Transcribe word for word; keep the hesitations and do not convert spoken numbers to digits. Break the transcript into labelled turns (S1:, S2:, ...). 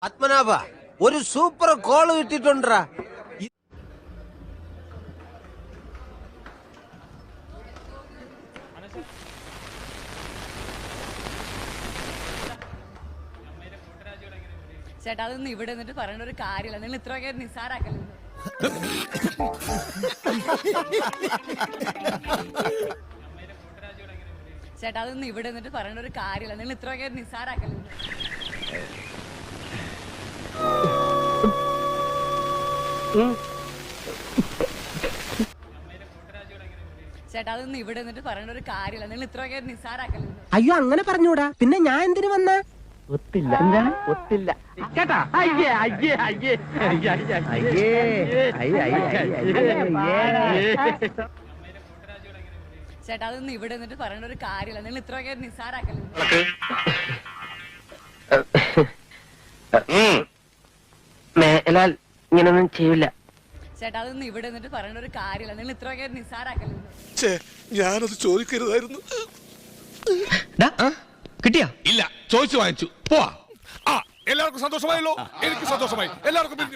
S1: പത്മനാഭ ഒരു super call കിട്ടിട്ടുണ്ടാ.
S2: ചേട്ടാ അതൊന്നും ഇവിടെ നിന്നിട്ട് പറയേണ്ട ഒരു കാര്യമില്ല. നിങ്ങൾ ഇത്രയൊക്കെ നിസ്സാരാക്കല്ലോ. ചേട്ടാ അതൊന്നും ഇവിടെ നിന്നിട്ട് പറയേണ്ട ഒരു കാര്യമില്ല. നിങ്ങൾ ഇത്രയൊക്കെ നിസ്സാരാക്കല്ലോ. ചേട്ടാ അതൊന്നും ഇവിടെ നിന്നിട്ട് പറയേണ്ട ഒരു കാര്യമില്ല. നിങ്ങൾ ഇത്രയൊക്കെ നിസ്സാരാക്കല്ലോ.
S3: അയ്യോ അങ്ങനെ പറഞ്ഞൂടാ. പിന്നെ ഞാൻ എന്തിനു വന്ന
S4: ഒത്തില്ല എന്താണ് ഒത്തില്ല കേട്ടാ. അയ്യേ അയ്യേ അയ്യേ അയ്യേ അയ്യേ
S2: ചേട്ടാ അതൊന്നും ഇവിടെ നിന്നിട്ട് പറയേണ്ട ഒരു കാര്യമില്ല. നിങ്ങൾ ഇത്രയൊക്കെ നിസ്സാരാക്കല്ലോ.
S4: മേലാൽ ഇങ്ങനൊന്നും ചെയ്യില്ല.
S2: ചേട്ടാ അതൊന്നും ഇവിടെ നിന്നിട്ട് പറയേണ്ട ഒരു കാര്യമില്ല. നിങ്ങൾ ഇത്രയൊക്കെ നിസ്സാരാക്കല്ലോ.
S5: ഞാനത് ചോദിക്കരുതായിരുന്നു.
S6: കിട്ടിയാ
S5: ഇല്ല, ചോദിച്ചു വാങ്ങിച്ചു. പോവാ. ആ, എല്ലാവർക്കും സന്തോഷമായല്ലോ. എനിക്ക് സന്തോഷമായി. എല്ലാവർക്കും